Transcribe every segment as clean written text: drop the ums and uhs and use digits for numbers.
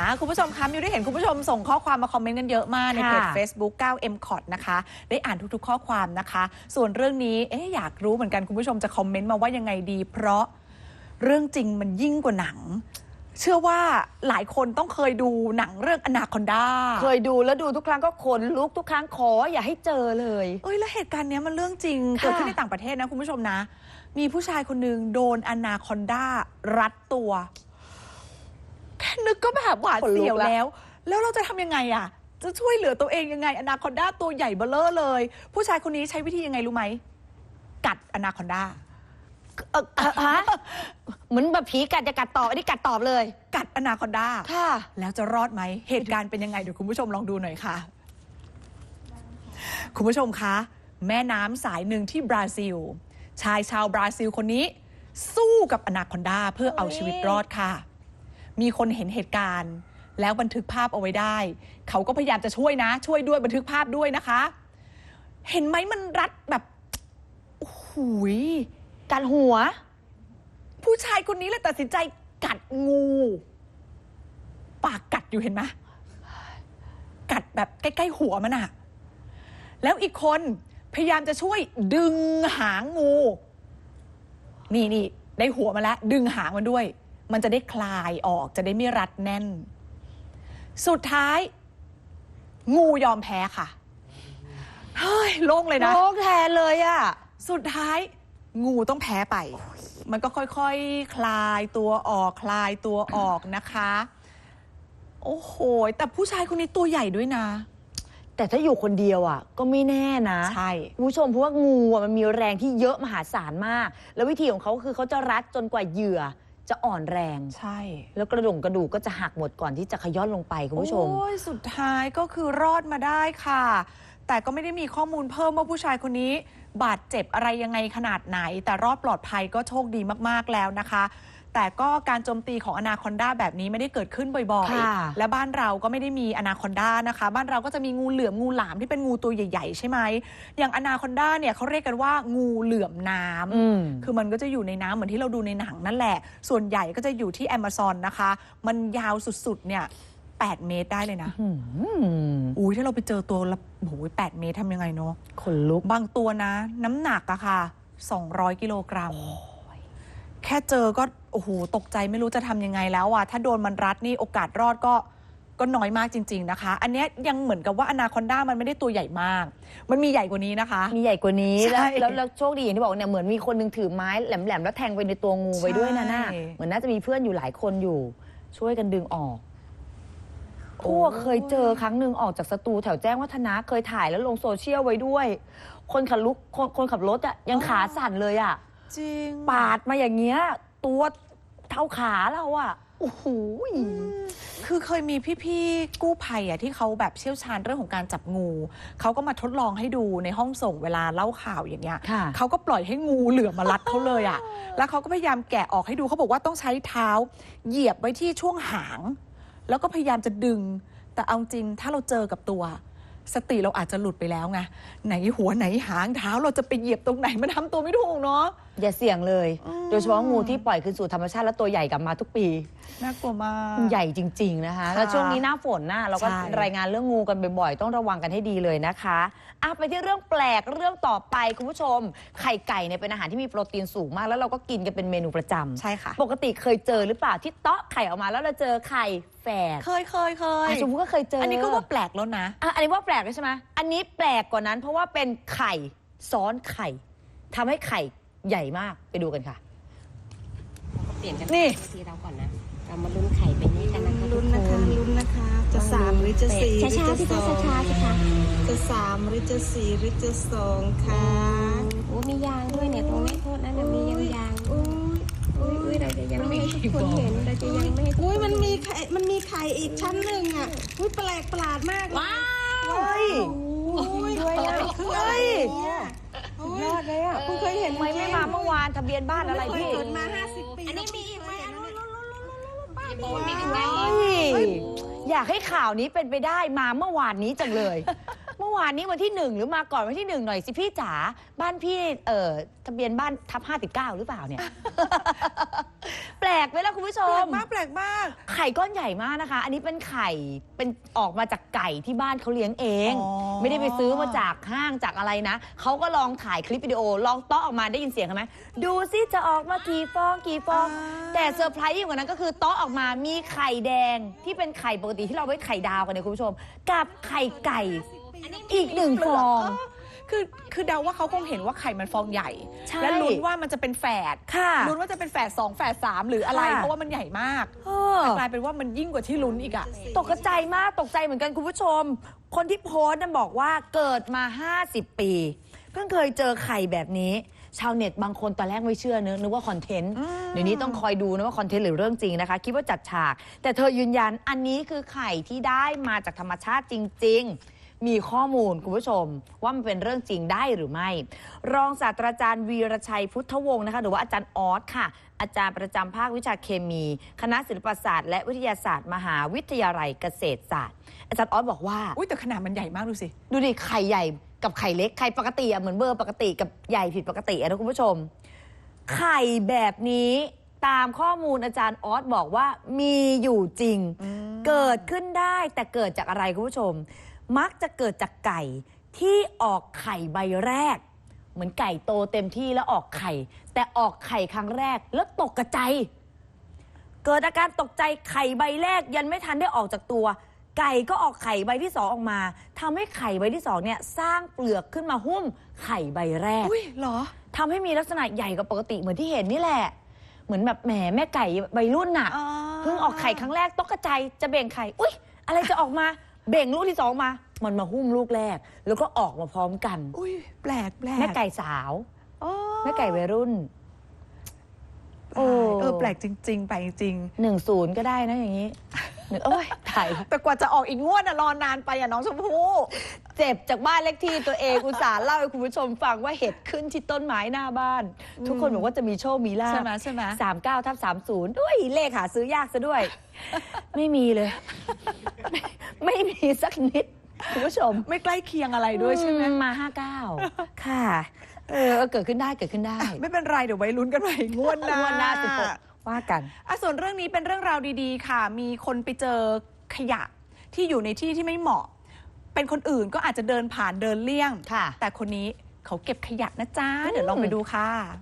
คุณผู้ชมคะมิวได้เห็นคุณผู้ชมส่งข้อความมาคอมเมนต์กันเยอะมากในเพจ Facebook 9MCOT นะคะได้อ่านทุกๆข้อความนะคะส่วนเรื่องนี้อยากรู้เหมือนกันคุณผู้ชมจะคอมเมนต์มาว่ายังไงดีเพราะเรื่องจริงมันยิ่งกว่าหนังเชื่อว่าหลายคนต้องเคยดูหนังเรื่องอนาคอนดาเคยดูแล้วดูทุกครั้งก็ขนลุกทุกครั้งขออย่าให้เจอเลยแล้วเหตุการณ์นี้มันเรื่องจริงเกิดขึ้นในต่างประเทศนะคุณผู้ชมนะมีผู้ชายคนนึงโดนอนาคอนดารัดตัวแค่นึกก็แบบหวาดเสียวแล้วเราจะทำยังไงอ่ะจะช่วยเหลือตัวเองยังไงอนาคอนดาตัวใหญ่เบ้อเร่อเลยผู้ชายคนนี้ใช้วิธียังไงรู้ไหมกัดอนาคอนดาเหมือนแบบผีกัดจะกัดตอบอันนี้กัดตอบเลยกัดอนาคอนดาค่ะแล้วจะรอดไหมเหตุการณ์เป็นยังไงเดี๋ยวคุณผู้ชมลองดูหน่อยค่ะคุณผู้ชมคะแม่น้ำสายหนึ่งที่บราซิลชายชาวบราซิลคนนี้สู้กับอนาคอนดาเพื่อเอาชีวิตรอดค่ะมีคนเห็นเหตุการณ์แล้วบันทึกภาพเอาไว้ได้เขาก็พยายามจะช่วยนะช่วยด้วยบันทึกภาพด้วยนะคะเห็นไหมมันรัดแบบโอ้โหกัดหัวผู้ชายคนนี้เลยตัดสินใจกัดงูปากกัดอยู่เห็นไหมกัดแบบใกล้ๆหัวมันอะแล้วอีกคนพยายามจะช่วยดึงหางงูนี่ได้หัวมาแล้วดึงหางมันด้วยมันจะได้คลายออกจะได้ไม่รัดแน่นสุดท้ายงูยอมแพ้ค่ะเฮ้ยโล่งเลยนะโล่งแทนเลยอะสุดท้ายงูต้องแพ้ไปมันก็ค่อยๆ คลายตัวออกนะคะโอ้โหแต่ผู้ชายคนนี้ตัวใหญ่ด้วยนะแต่ถ้าอยู่คนเดียวอ่ะก็ไม่แน่นะใช่ผู้ชมเพราะว่างูมันมีแรงที่เยอะมหาศาลมากแล้ววิธีของเขาคือเขาจะรัดจนกว่าเหยื่อจะอ่อนแรงใช่แล้วกระดูกก็จะหักหมดก่อนที่จะขย้อนลงไปคุณผู้ชมโอ้ยสุดท้ายก็คือรอดมาได้ค่ะแต่ก็ไม่ได้มีข้อมูลเพิ่มว่าผู้ชายคนนี้บาดเจ็บอะไรยังไงขนาดไหนแต่รอดปลอดภัยก็โชคดีมากๆแล้วนะคะแต่ก็การโจมตีของอนาคอนดาแบบนี้ไม่ได้เกิดขึ้นบ่อยๆและบ้านเราก็ไม่ได้มีอนาคอนดานะคะบ้านเราก็จะมีงูเหลือมงูหลามที่เป็นงูตัวใหญ่ๆใช่ไหมอย่างอนาคอนดาเนี่ยเขาเรียกกันว่างูเหลือมน้ำคือมันก็จะอยู่ในน้ำเหมือนที่เราดูในหนังนั่นแหละส่วนใหญ่ก็จะอยู่ที่แอมะซอนนะคะมันยาวสุดๆเนี่ย8 เมตรได้เลยนะอุ้ยถ้าเราไปเจอตัวละโอ้โห8 เมตรทำยังไงเนาะขนลุกบางตัวนะน้ำหนักอะค่ะ200 กิโลกรัมแค่เจอก็โอ้โหตกใจไม่รู้จะทำยังไงแล้วอะถ้าโดนมันรัดนี่โอกาสรอดก็น้อยมากจริงๆนะคะอันนี้ยังเหมือนกับว่าอนาคอนดามันไม่ได้ตัวใหญ่มากมันมีใหญ่กว่านี้นะคะมีใหญ่กว่านี้แล้วโชคดีอย่างที่บอกเนี่ยเหมือนมีคนนึงถือไม้แหลมๆแล้วแทงไปในตัวงูไว้ด้วยนะน่ะเหมือนน่าจะมีเพื่อนอยู่หลายคนอยู่ช่วยกันดึงออกเคยเจอครั้งหนึ่งออกจากสตูแถวแจ้งวัฒนะเคยถ่ายแล้วลงโซเชียลไว้ด้วยคนขับรถอะยังขาสั่นเลยอะจริงปาดมาอย่างเงี้ยตัวเท่าขาเราอะโอ้โหคือเคยมีพี่ๆกู้ภัยอะที่เขาแบบเชี่ยวชาญเรื่องของการจับงูเขาก็มาทดลองให้ดูในห้องส่งเวลาเล่าข่าวอย่างเงี้ยเขาก็ปล่อยให้งูเหลือมมารัดเขาเลยอะแล้วเขาก็พยายามแกะออกให้ดูเขาบอกว่าต้องใช้เท้าเหยียบไว้ที่ช่วงหางแล้วก็พยายามจะดึงแต่เอาจริงถ้าเราเจอกับตัวสติเราอาจจะหลุดไปแล้วไงไหนหัวไหนหางเท้าเราจะไปเหยียบตรงไหนมันทำตัวไม่ถูกเนาะอย่าเสี่ยงเลยโดยเฉพาะงูที่ปล่อยคืนสู่ธรรมชาติแล้วตัวใหญ่กลับมาทุกปีน่ากลัวมากใหญ่จริงๆนะคะแล้วช่วงนี้หน้าฝนนะเราก็รายงานเรื่องงูกันบ่อยๆต้องระวังกันให้ดีเลยนะคะไปที่เรื่องแปลกเรื่องต่อไปคุณผู้ชมไข่ไก่เนี่ยเป็นอาหารที่มีโปรตีนสูงมากแล้วเราก็กินกันเป็นเมนูประจำใช่ค่ะปกติเคยเจอหรือเปล่าที่เตาะไข่ออกมาแล้วเราเจอไข่แฝดเคยชมพู่ก็เคยเจออันนี้ก็ว่าแปลกแล้วนะอันนี้ว่าแปลกใช่ไหมอันนี้แปลกกว่านั้นเพราะว่าเป็นไข่ซ้อนไข่ทำให้ไข่ใหญ่มากไปดูกันค่ะเปลี่ยนกันนี่ทีเราก่อนนะเรามาลุ้นไข่เป็นนี้กันนะคะลุ้นนะคะจะ3หรือจะ4หรือจะ2 ช้าๆสิคะจะ3หรือจะ4หรือจะ2ค่ะโอ้มียางด้วยเนี่ยตรงนี้โทษนะมียางอุ้ยเราจะยังไม่ให้ทุกคนเห็นเราจะยังไม่ให้อุ้ยมันมีไข่อีกชั้นหนึ่งอ่ะอุ้ยแปลกประหลาดมากว้าวด้วยนะคืออะไรยอดเลยอ่ะคุณเคยเห็นไหมไม่มาเมื่อวานทะเบียนบ้านอะไรพี่เกิดมา50 ปีอันนี้มีอีกไหมมีอยากให้ข่าวนี้เป็นไปได้มาเมื่อวานนี้จังเลยเมื่อวานนี้วันที่ 1หรือมาก่อนวันที่ 1หน่อยสิพี่จ๋าบ้านพี่ทะเบียนบ้านทับ59หรือเปล่าเนี่ย แปลกไหมล่ะคุณผู้ชแปลมกมากแปลกมากไข่ก้อนใหญ่มากนะคะ อันนี้เป็นไข่เป็นออกมาจากไก่ที่บ้านเขาเลี้ยงเองอ๋อไม่ได้ไปซื้อมาจากห้างจากอะไรนะเขาก็ลองถ่ายคลิปวิดีโอลองเตาะออกมาได้ยินเสียงไหมดูซิจะออกมากี่ฟองกี่ฟอง แต่เซอร์ไพรส์ยิ่งกว่านั้นก็คือเตาะออกมามีไข่แดงที่เป็นไข่ปกติที่เราไว้ไข่ดาวกันเนี่ยคุณผู้ชมกับไข่ไก่อีก1 ฟองคือเดาว่าเขาคงเห็นว่าไข่มันฟองใหญ่ใช่และลุ้นว่ามันจะเป็นแฝดค่ะลุ้นว่าจะเป็นแฝด2แฝด3หรืออะไรค่ะเพราะว่ามันใหญ่มากเออแต่กลายเป็นว่ามันยิ่งกว่าที่ลุ้นอีกอะตกใจมากตกใจเหมือนกันคุณผู้ชม คนที่โพสต์นั้นบอกว่าเกิดมา50 ปี เพิ่งเคยเจอไข่แบบนี้ ชาวเน็ตบางคนตอนแรกไม่เชื่อนึกว่าคอนเทนต์เดี๋ยวนี้ต้องคอยดูนะว่าคอนเทนต์หรือเรื่องจริงนะคะ คิดว่าจัดฉาก แต่เธอยืนยันอันนี้คือไข่ที่ได้มาจากธรรมชาติจริง ๆ มีข้อมูลคุณผู้ชมว่ามันเป็นเรื่องจริงได้หรือไม่ รองศาสตราจารย์วีรชัยพุทธวงศ์นะคะหรือว่าอาจารย์ออสค่ะอาจารย์ประจำภาควิชาเคมี คณะศิลปศาสตร์และวิทยาศาสตร์มหาวิทยาลัยเกษตรศาสตร์ อาจารย์ออสบอกว่าอุ้ยแต่ขนาดมันใหญ่มากดูสิดูดิไข่ใหญ่กับไข่เล็กไข่ปกติอะเหมือนเบอร์ปกติกับใหญ่ผิดปกติอะนะคุณผู้ชม ไข่แบบนี้ตามข้อมูลอาจารย์ออสบอกว่ามีอยู่จริง เกิดขึ้นได้แต่เกิดจากอะไรคุณผู้ชม มักจะเกิดจากไก่ที่ออกไข่ใบแรก เหมือนไก่โตเต็มที่แล้วออกไข่ แต่ออกไข่ครั้งแรกแล้วตกกระจายเกิดอาการตกใจไข่ใบแรกยันไม่ทันได้ออกจากตัว ไก่ก็ออกไข่ใบที่2ออกมาทำให้ไข่ใบที่2เนี่ยสร้างเปลือกขึ้นมาหุ้มไข่ใบแรกอุ้ยเหรอทำให้มีลักษณะใหญ่กว่าปกติเหมือนที่เห็นนี่แหละ เหมือนแบบแหมแม่ไก่ใบรุ่นน่ะอ๋อเพิ่งออกไข่ครั้งแรกตกกระจายจะเบ่งไข่อุ๊ยอะไรจะออกมาเบ่งลูกที่2มามันมาหุ้มลูกแรก แล้วก็ออกมาพร้อมกันอุ้ยแปลกแปลกแม่ไก่สาวอ๋อแม่ไก่วัยรุ่น โอ้แปลกจริง ๆ ไปจริง 10ก็ได้นะอย่างนี้โอ้ยถ่ายแต่กว่าจะออกอีกงวดอะรอนานไปอะน้องชมพู่เจ็บจากบ้านเลขที่ตัวเอง อุตส่าห์เล่าให้คุณผู้ชมฟังว่าเห็ดขึ้นที่ต้นไม้หน้าบ้าน ทุกคนบอกว่าจะมีโชคมีลาภใช่ไหมใช่ไหม 39/30ด้วยเลขหาซื้อยากซะด้วย ไม่มีเลย ไม่มีสักนิดคุณผู้ชมไม่ใกล้เคียงอะไรด้วยใช่ไหมมา59ค่ะเกิดขึ้นได้เกิดขึ้นได้ไม่เป็นไรเดี๋ยวไว้ลุ้นกันใหม่งวดหน้างวดหน้า16ว่ากันส่วนเรื่องนี้เป็นเรื่องราวดีๆ ค่ะ มีคนไปเจอขยะที่อยู่ในที่ที่ไม่เหมาะ เป็นคนอื่นก็อาจจะเดินผ่านเดินเลี่ยงค่ะแต่คนนี้เขาเก็บขยะนะจ๊ะ เดี๋ยวลองไปดูค่ะ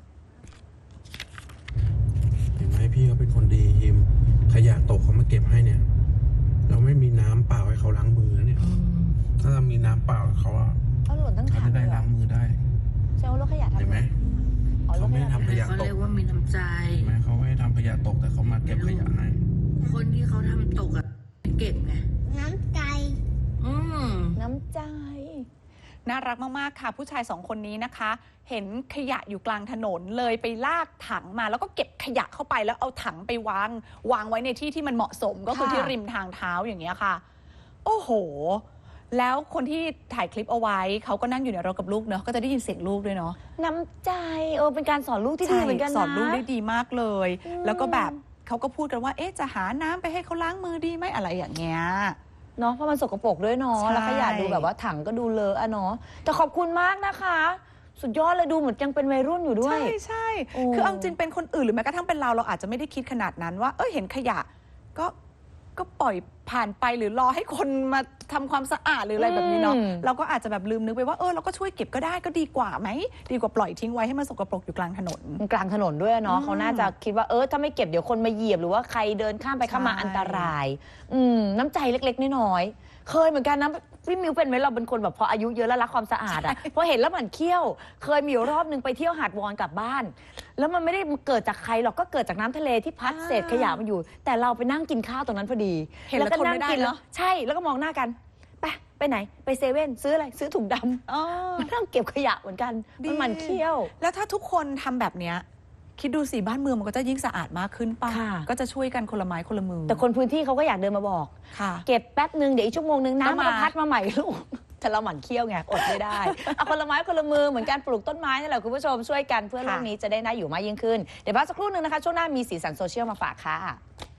เห็นไหมพี่เขาเป็นคนดีฮิมขยะตกเขามาเก็บให้เนี่ย เราไม่มีน้ำเปล่าให้เขาล้างมือนะเนี่ย ถ้าเรามีน้ำเปล่าเขาอะเอาหล่นทั้งเขาถังจะเลได้ยเหรล้าองมือได้เจ้ารถขยะทำเห็นไหมอ๋อรเขาถขไม่ยะทำขยะเขาตเรีกยกว่ามีน้ำใจเห็นไหมเขาไม่ทำขยะตกแต่เขามาเก็บขยะให้คนที่เขาทำตกอะเก็บไงน้ำใจอืมน้ำใจน่ารักมากๆค่ะ ผู้ชาย2คนนี้นะคะ เห็นขยะอยู่กลางถนนเลยไปลากถังมาแล้วก็เก็บขยะเข้าไปแล้วเอาถังไปวางไว้ในที่ที่มันเหมาะสมก็คือค่ะที่ริมทางเท้าอย่างเงี้ยค่ะ โอ้โห แล้วคนที่ถ่ายคลิปเอาไว้เขาก็นั่งอยู่ในรถกับลูกเนาะก็จะได้ยินเสียงลูกด้วยเนาะน้ำใจเป็นการสอนลูกที่ดีเหมือนกันนะสอนลูกได้ดีมากเลยอืมแล้วก็แบบเขาก็พูดกันว่า จะหาน้ำไปให้เขาล้างมือดีไหมอะไรอย่างเงี้ยเนาะเพราะมันสกปรกด้วยเนาะใช่แล้วขยะดูแบบว่าถังก็ดูเลอะอะเนาะแต่ขอบคุณมากนะคะ สุดยอดเลยดูเหมือนยังเป็นวัยรุ่นอยู่ด้วยใช่โอ้คือเอาจริงเป็นคนอื่นหรือแม้กระทั่งเป็นเราอาจจะไม่ได้คิดขนาดนั้นว่าเห็นขยะก็ปล่อยผ่านไปหรือรอให้คนมาทำความสะอาดหรืออะไรแบบนี้เนาะเราก็อาจจะแบบลืมนึกไปว่าเราก็ช่วยเก็บก็ได้ก็ดีกว่าไหมดีกว่าปล่อยทิ้งไว้ให้มันสกปรกอยู่กลางถนนกลางถนนด้วยเนาะอืมเขาน่าจะคิดว่าถ้าไม่เก็บเดี๋ยวคนมาเหยียบหรือว่าใครเดินข้ามไปข้ามมาใช่อันตรายน้ำใจเล็กๆน้อยๆเคยเหมือนกันนะพี่มิวเป็นไหมเราเป็นคนแบบพออายุเยอะแล้วรักความสะอาดอะพอเห็นแล้วหมั่นเคี้ยวเคยมีอยู่รอบนึงไปเที่ยวหาดวอนกลับบ้าน แล้วมันไม่ได้เกิดจากใครหรอกก็เกิดจากน้ำทะเลที่พัดเศษขยะมาอยู่ แต่เราไปนั่งกินข้าวตรงนั้นพอดีเห็นแล้วก็ทนไม่ได้กิเนอะใช่แล้วก็มองหน้ากันไปไหนไปเซเว่นซื้ออะไรซื้อถุงดำอ๋อมานั่งเก็บขยะเหมือนกันดีมันหมั่นเคี้ยวแล้วถ้าทุกคนทำแบบเนี้ยคิดดูสิบ้านเมืองมันก็จะยิ่งสะอาดมากขึ้นป่ะค่ะก็จะช่วยกันคนละไม้คนละมือแต่คนพื้นที่เขาก็อยากเดินมาบอกค่ะเก็บแป๊บนึงเดี๋ยวอีกชั่วโมงนึงก็น้ำมันมาก็พัดมาใหม่ลูกแต่เราหมั่นเคี้ยวไงอดไม่ได้เอาคนละไม้คนละมือเหมือนการปลูกต้นไม้นี่แหละคุณผู้ชมช่วยกันเพื่อโลกนี้จะได้น่าอยู่มากยิ่งขึ้นเดี๋ยวพักสักครู่นึงนะคะช่วงหน้ามีสีสันโซเชียลมาฝากค่ะ